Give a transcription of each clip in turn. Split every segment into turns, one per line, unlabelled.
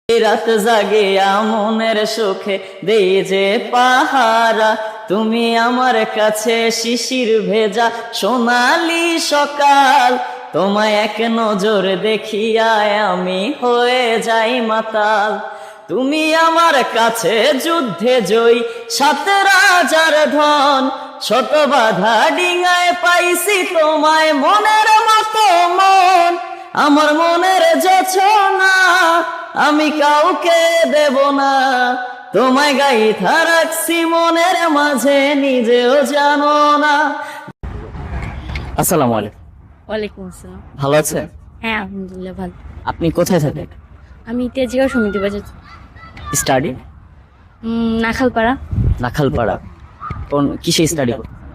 রাত জাগিয়া মনের সুখে দেই যে পাহারা, তুমি আমার কাছে শিশির ভেজা সোনালি সকাল। তোমায় এক নজর দেখিয়া আমি হয়ে যাই মাতাল। তুমি আমার কাছে যুদ্ধে জয়ী, সাত রাজার ধন। ছোট বাধা ডিঙায় পাইছি তোমায়, মনের মতো মন। আমার মনের যোছনা আমি কাউকে দেব না, তোমায় গাইথা রাখছি মনের মাঝে, নিজেও জানো না। আসসালামু আলাইকুম।
ওয়ালাইকুম আসসালাম।
ভালো আছেন?
হ্যাঁ আলহামদুলিল্লাহ ভালো।
আপনি কোথায় থাকেন?
আমি তেজগাঁও সমিতি বাজার
স্টাডি?
নাখালপাড়া।
নাখালপাড়া। কোন কিসে স্টাডি?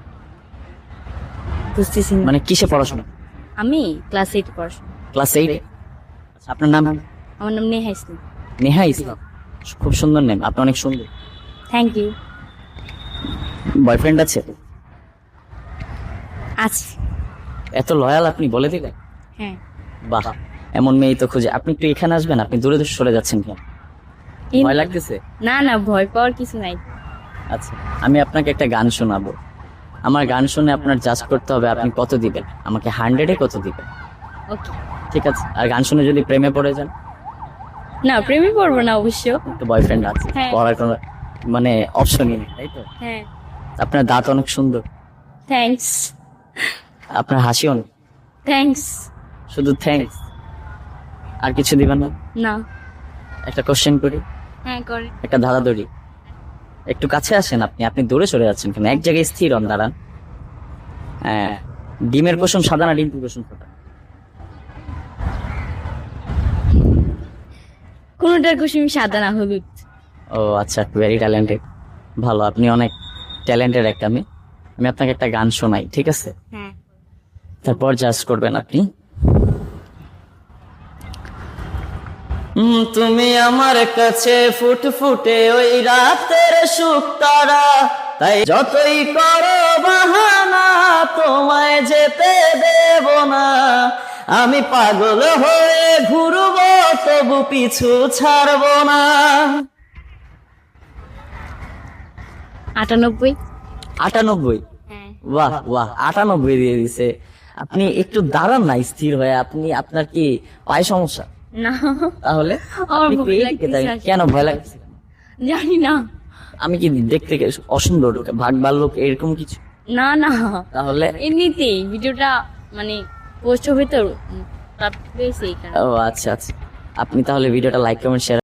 বুঝতেছি না।
মানে কিসে পড়াশোনা?
আমি ক্লাস 8 পড়াশোনা।
ক্লাস 8। আপনার নাম?
আমার নাম নেহা ইসলাম।
নেহা ইসলাম, খুব সুন্দর নেম, আপনি অনেক সুন্দর।
Thank you.
বয়ফ্রেন্ড আছে?
আছে।
এত লয়াল আপনি, বলে দিলেন।
হ্যাঁ।
বাহ, এমন মেয়ে তো খুঁজে। আপনি একটু এখানে আসবেন, আপনি দূরে দূরে সরে যাচ্ছেন কেন? ভয় লাগতেছে?
না না, ভয় পাওয়ার কিছু নাই।
আচ্ছা, আমি আপনাকে একটা গান শোনাবো। আমার গান শুনে আপনার জাজ করতে হবে আপনি কত দিবেন আমাকে, 100-এ কত দিবেন।
ওকে
ঠিক আছে? আর গান শুনে যদি প্রেমে পড়ে যান?
না, প্রেমে পড়বো না অবশ্য।
তো বয়ফ্রেন্ড আছে,
হ্যাঁ।
পড়ার কোনো মানে অপশনই নেই, তাই তো?
হ্যাঁ।
আপনার দাঁত অনেক সুন্দর,
থ্যাঙ্কস।
আপনার হাসি অনেক।
থ্যাঙ্কস।
শুধু থ্যাঙ্কস? আর কিছু দিবেন না?
না।
একটা কোশ্চেন করি,
হ্যাঁ করে।
একটা ধাঁধাধরি। একটু কাছে আসেন আপনি, আপনি দূরে সরে যাচ্ছেন কেন? এক জায়গায় স্থির হন, দাঁড়ান। হ্যাঁ, ডিমের কুসুম সাদা না ডিমের কুসুম সাদা?
কোনটার কুসুম সাদা না হলুদ।
ও আচ্ছা, ভেরি ট্যালেন্টেড। ভালো, আপনি অনেক ট্যালেন্টেড একটা মেয়ে। আমি আপনাকে একটা গান শোনাই, ঠিক আছে?
হ্যাঁ।
তারপর জাজ করবেন আপনি। তুমি আমার কাছে ফুটফুটে ওই রাতের সুখ তারা, তাই যতই করো বাহানা তোমায় যেতে দেব না। আমি পাগল হয়ে ঘুরবো তবু পিছু ছাড়বো না।
98।
98?
হ্যাঁ।
বাহ বাহ, 98 দিয়ে দিছে। আপনি একটু দাঁড়ান না স্থির হয়ে। আপনি, আপনার কি পায়ে সমস্যা?
না।
তাহলে
আমার
আপনি একটু
ভয়
এইদিকে
লাগতেছে
দাঁড়িয়ে- কেন ভয় লাগছে?
জানি না।
আমি কি দেখতে অসুন্দর, ভাগ ভাল্লুক এরকম কিছু?
না না,
তাহলে
এমনিতেই ভিডিওটা মানে পোস্ট হবে তো, তারপরে সেই কারণে।
ও আচ্ছা আচ্ছা, আপনি তাহলে ভিডিওটা লাইক কমেন্ট শেয়ার